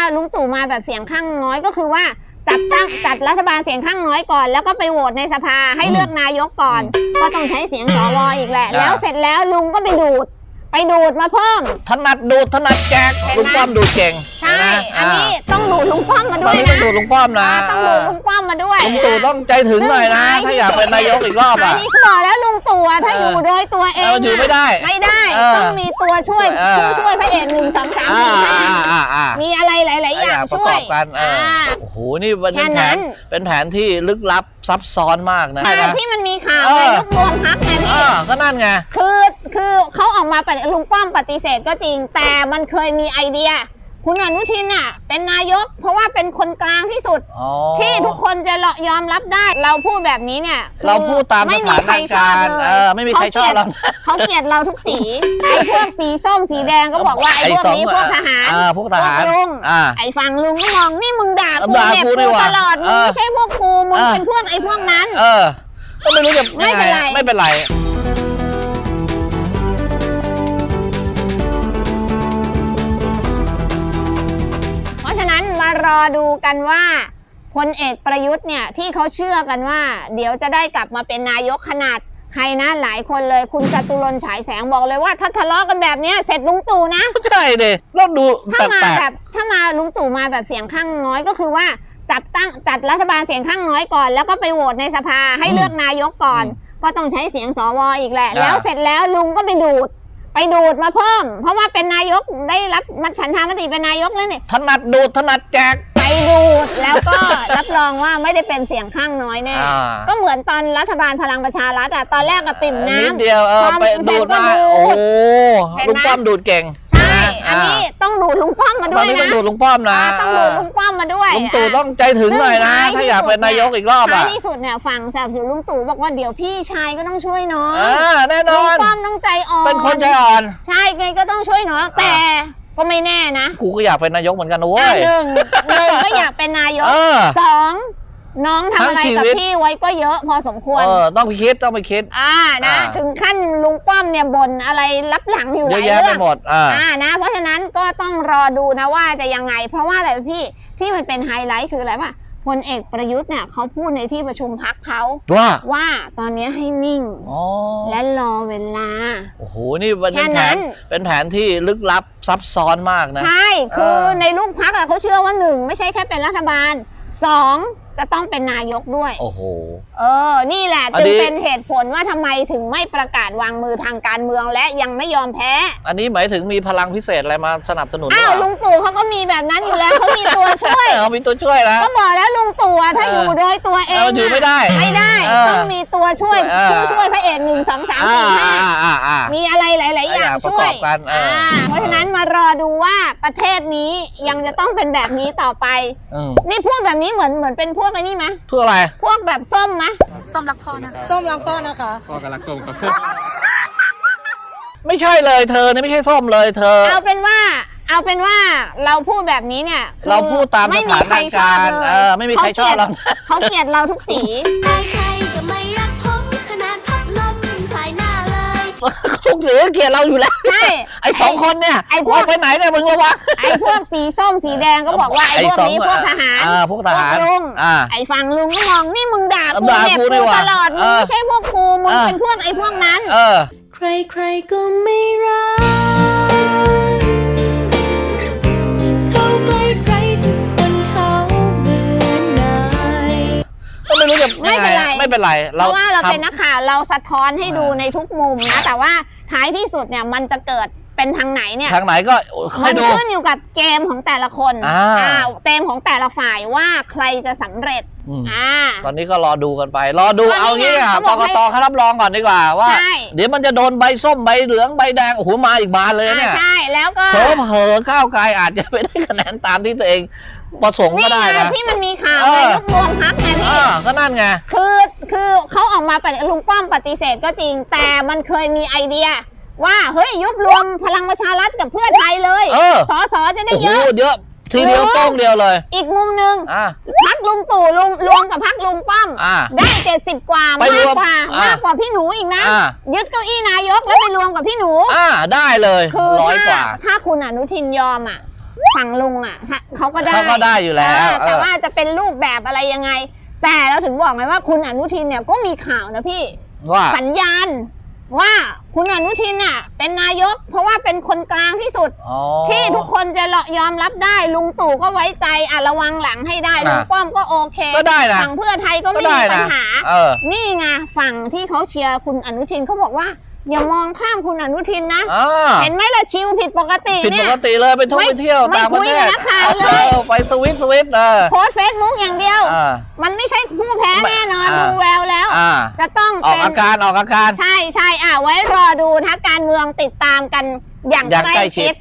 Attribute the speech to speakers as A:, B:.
A: ลุงตู่มาแบบเสียงข้างน้อยก็คือว่าจัดรัฐบาลเสียงข้างน้อยก่อนแล้วก็ไปโหวตในสภาให้เลือกนายกก่อนก็ต้องใช้เสียงสวอีกแหละแล้วเสร็จแล้วลุงก็ไปดูดมาเพิ่ม
B: ถนัดดูดถนัดแจกลุงป้อมดูดเก่ง
A: ใช่อันนี้ต้องดูดลุงป้อมมาด้วยนะ
B: ต้องดูดลุงป้อมนะ
A: ต้องดูดลุงป้อมมาด้วย
B: ลุงตู่ต้องใจถึงหน่อยนะถ้าอยากเป็นนายกอีกรอบอ่ะ
A: นี่บอกแล้วลุงตู่ถ้าอยู่โดยตัวเอง
B: อยู่ไม่ได้
A: ต้องมีตัวช่วยผู้ช่วยพระเอก1 2 3 4 5มีอะไรหลายๆอย่างช่วย
B: กันโอ้โหนี่เป็นแผนที่ลึกลับซับซ้อนมากนะ
A: ที่มันมีข่าวในยุครวมพรรคไงพี่
B: ก็นั่นไง
A: คือเขาออกมาลุงป้อมปฏิเสธก็จริงแต่มันเคยมีไอเดียคุณอนุทินน่ะเป็นนายกเพราะว่าเป็นคนกลางที่สุดที่ทุกคนจะยอมรับได้เราพูดแบบนี้เนี่ย
B: เราพูดตามสถานการณ์ไม่มีใครชอบเรา
A: เขาเกลียดเราทุกสีไอ้พวกสีส้มสีแดงก็บอกว่าไอ้พวกนี้พวกทหาร
B: พวกทหาร
A: ลุงไอ้ฝั่งลุงก็มองนี่มึงด่ากูเนี่ยกูตลอดมึงไม่ใช่พวกกูมึงเป็นพวกไอ้พวกนั้น
B: ก็ไม่รู้จะไม่เป็นไร
A: มารอดูกันว่าพลเอกประยุทธ์เนี่ยที่เขาเชื่อกันว่าเดี๋ยวจะได้กลับมาเป็นนายกขนาดใครนะหลายคนเลยคุณจตุรนต์ฉายแสงบอกเลยว่าถ้าทะเลาะกันแบบนี้เสร็จลุงตู่นะ
B: ใช่เลยเราดู
A: ถ้ามาลุงตู่มาแบบเสียงข้างน้อยก็คือว่าจัดรัฐบาลเสียงข้างน้อยก่อนแล้วก็ไปโหวตในสภาให้เลือกนายกก่อนก็ต้องใช้เสียงสวอีกแหละแล้วเสร็จแล้วลุงก็ไปดูดมาเพิ่มเพราะว่าเป็นนายกได้รับฉันทามติเป็นนายกแล้วเนี่ย
B: ถนัดดูดถนัดแจก
A: ไปดูดแล้วก็รับรองว่าไม่ได้เป็นเสียงข้างน้อยแน่ก็เหมือนตอนรัฐบาลพลังประชารัฐตอนแรกกับปิ่มน้ำ
B: นิดเดียวไปดูดมาโอ้ลุงป้อมดูดเก่ง
A: ใช่อันนี้ต้องดูดลุงป้อมมาด้วยนะ
B: ต้องดูดลุงป้อมนะ
A: ต้องดูดลุงป้อมมาด้วย
B: ลุงตู่ต้องใจถึงหน่อยนะถ้าอยากเป็นนายกอีกรอบ
A: ท้ายที่สุดเนี่ยฝั่งสนับสนุนลุงตู่บอกว่าเดี๋ยวพี่ชายก็ต้องช่วยน้อง
B: แน่นอน
A: ลุงป้อมต้องใจอ่อน
B: เป็นคนใจอ่อน
A: ใช่ไงก็ต้องช่วยน้องแต่ก็ไม่แน่นะ
B: กูก็อยากเป็นนายกเหมือนกันนะเว้ย
A: หนึ่งก็อยากเป็นนายกสองน้องทำอะไรกับพี่ไว้ก็เยอะพอสมควร
B: ต้องไปคิด
A: นะถึงขั้นลุงป้อมเนี่ยบ่นอะไรรับหลังอยู่หลายเรื่อง
B: หมด
A: นะเพราะฉะนั้นก็ต้องรอดูนะว่าจะยังไงเพราะว่าอะไรพี่ที่มันเป็นไฮไลท์คืออะไรวะพลเอกประยุทธ์เนี่ยเขาพูดในที่ประชุมพรรคเขาว่าตอนนี้ให้นิ่งและรอเวลา
B: โอ้โหนี่เป็นแผนที่ลึกลับซับซ้อนมากนะ
A: ใช่คือในลูกพรรคเขาเชื่อว่า1ไม่ใช่แค่เป็นรัฐบาล2จะต้องเป็นนายกด้วย
B: โอ้โห
A: นี่แหละจึงเป็นเหตุผลว่าทำไมถึงไม่ประกาศวางมือทางการเมืองและยังไม่ยอมแพ้
B: อันนี้หมายถึงมีพลังพิเศษอะไรมาสนับสนุน
A: ลุงตู่เขาก็มีแบบนั้นอยู่แล้วเขามีตัวช่วย
B: มีตัวช่วยแล้ว
A: ก็บอกแล้วลุงตู่ถ้าอยู่โดยตัวเอง
B: อยู่ไม่ได้
A: ต้องมีตัวช่วยผู้ช่วยพระเอก1 2 3 4 5มีอะไรหลายๆอย่างช่วยเพราะฉะนั้นมารอดูว่าประเทศนี้ยังจะต้องเป็นแบบนี้ต่อไปนี่พูดแบบนี้เหมือนเป็นพวกไอ้นี่ไหม
B: พวกอะไร
A: พวกแบบส้มไหม
C: ส้มรักพ่อนะคะ
A: ส้มรักพ่อนะคะ
C: พ่อก็รักส้มครับ
B: ไม่ใช่เลยเธอนี่ไม่ใช่ส้มเลยเธอ
A: เอาเป็นว่าเราพูดแบบนี้เนี่ย
B: เราพูดตามสถานการณ์ไม่มีใครชอบเรา
A: เขาเกลียดเราทุกสี
C: ใครจะไม่รักผมขนาดพัดลมสายหน้าเลย
B: ทุกสีเกลียดเราอยู่แล้ว
A: ใช่
B: ไอ้2คนเนี่ย
A: ไอ้พวก
B: ไปไหนเนี่ยมึงระวัง
A: ไอ้พวกสีส้มสีแดงก็บอกว่าไอ้พวกนี้พวกทหาร
B: พวกทหาร
A: ลุงไอ้ฝั่งลุงก็มองนี่มึงด่ากูเนี่ยกูตลอดมึงไม่ใช่พวกกูมึงเป็นพวกไอ้พวกนั้น
C: ใครก็ไม่รักเขาใกล้ใครทุกคนเขาเบื่อหน่าย
B: ก็ไม่รู้จะไม่เป็นไร
A: เพราะว่าเราเป็นนักข่าวเราสะท้อนให้ดูในทุกมุมนะแต่ว่าท้ายที่สุดเนี่ยมันจะเกิดเป็นทางไหนเนี่ย
B: ทางไหนก็
A: มันขึ้นอยู่กับเกมของแต่ละคนเกมของแต่ละฝ่ายว่าใครจะสำเร็จ
B: ตอนนี้ก็รอดูกันไปรอดูเอางี้กกตเขารับรองก่อนดีกว่าว่าเดี๋ยวมันจะโดนใบส้มใบเหลืองใบแดงโอ้โหมาอีกบานเลยเนี่ย
A: ใช่แล้วก็
B: เผลอก้าวไกลอาจจะไม่ได้คะแนนตามที่ตัวเองประสงค์ก็ได้นะ
A: ที่มันมีข่าวในยุครวมพรรคไงพี่
B: ก็นั่นไง
A: คือเขาออกมาลุงป้อมปฏิเสธก็จริงแต่มันเคยมีไอเดียว่าเฮ้ยยุบรวมพลังประชารัฐกับเพื่อไทยเลยสจะได้เยอะ
B: ทีเดียวโป้งเดียวเลย
A: อีกมุมหนึ่งพรรคลุงตู่รวมกับพรรคลุงป้อมได้70 กว่ามากกว่าพี่หนูอีกนะยึดเก้าอี้นายกแล้วไปรวมกับพี่หนู
B: ได้เลย
A: คือ
B: 100 กว่า
A: ถ้าคุณอนุทินยอมฝั่งลุงอ่ะเขาก็ได้
B: เขาก็ได้อยู่แล้ว
A: แต่ว่าจะเป็นรูปแบบอะไรยังไง แต่เราถึงบอกไงว่าคุณอนุทินเนี่ยก็มีข่าวนะพี่
B: ว่า
A: สัญญาณว่าคุณอนุทินน่ะเป็นนายก เพราะว่าเป็นคนกลางที่สุด
B: อ๋อ
A: ที่ทุกคนจะยอมรับได้ลุงตู่ก็ไว้ใจระวังหลังให้ได้ลุงป้อมก็โอเค
B: ก็ได้นะ
A: ฝั่งเพื่อไทยก็ไม่
B: ก็
A: มี
B: ได้
A: ปัญ
B: นะ
A: หา นี่ไงฝั่งที่เขาเชียร์คุณอนุทินเขาบอกว่าอย่ามองข้ามคุณอนุทินนะ เห็นไหมล่ะชิวผิดปกติ
B: ผิด
A: เนี่
B: ป
A: ย
B: กติเลยไปท่องไปเที่ยว
A: ไม่
B: ต่างประ
A: คุย
B: เท
A: กับ
B: ศ
A: นักข่าวเลย
B: ไปสวิต
A: โพสเฟซบุ๊กอย่างเดียว มันไม่ใช่ผู้แพ้แน่นอนดูแววแล้ว จะต้อง
B: ออก
A: เป็น
B: อาการ
A: ใช่ไว้รอดูนะการเมืองติดตามกันอย่างใกล้ชิด